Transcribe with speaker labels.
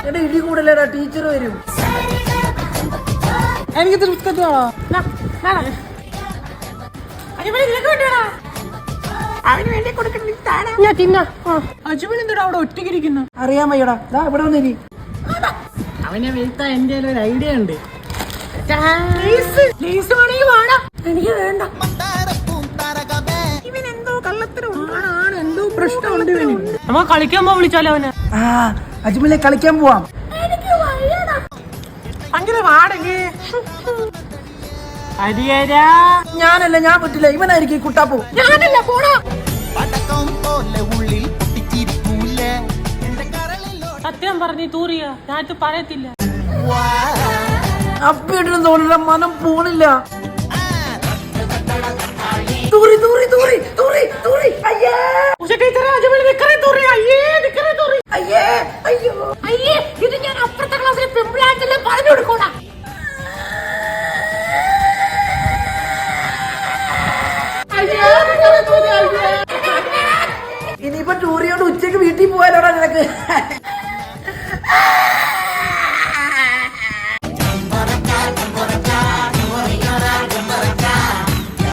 Speaker 1: എടാ ഇടി കൂടല്ലേടാ, ടീച്ചർ വരും. എനിക്ക് ബിസ്ക്കറ്റ് വേണോ? അവന് വേണ്ടി കൊടുക്കണ്ട. അജുബിൻ എന്തിനാ അവിടെ ഒറ്റയ്ക്കിരിക്കുന്നു? അറിയാൻ വയ്യടാ, ഇവിടെ വന്നിരി. അവനെ വീഴ്ത്താൻ എന്റെ ഒരു ഐഡിയ ഉണ്ട്. എനിക്ക് വേണ്ട. ഇവനെന്തോ കള്ളത്തിനാണ്, എന്തോ പ്രശ്നമുണ്ട് ഇവന്. നമ്മ കളിക്കാൻ പോ, വിളിച്ചാലോ അവന്. അജ്മലെ കളിക്കാൻ പോവാം. അങ്ങനെ വാടകേ. ഞാനല്ല, ഞാൻ പറ്റില്ല. ഇവനായിരിക്കും കുട്ടാപ്പൂ. ഞാനല്ല, പോടാ. സത്യം പറഞ്ഞ് തൂറിയ ഞാൻ പറയത്തില്ല. അപ്പിയിട്ടിനും തോന്നില്ല, മനം പോണില്ല. തൂറി തൂറി തൂറി തൂറി തൂറി. അയ്യേ അയ്യേ അയ്യോ അയ്യേ, ഇത് ഞാൻ അപ്പുറത്തെ ക്ലാസ്സിലെ പെമ്പിളാറ്റല്ലേ പറഞ്ഞു കൊടുക്കോടാ. ഇനിയിപ്പോ ടൂറിയോട് ഉച്ചക്ക് വീട്ടിൽ പോയാലോടാ നിനക്ക്.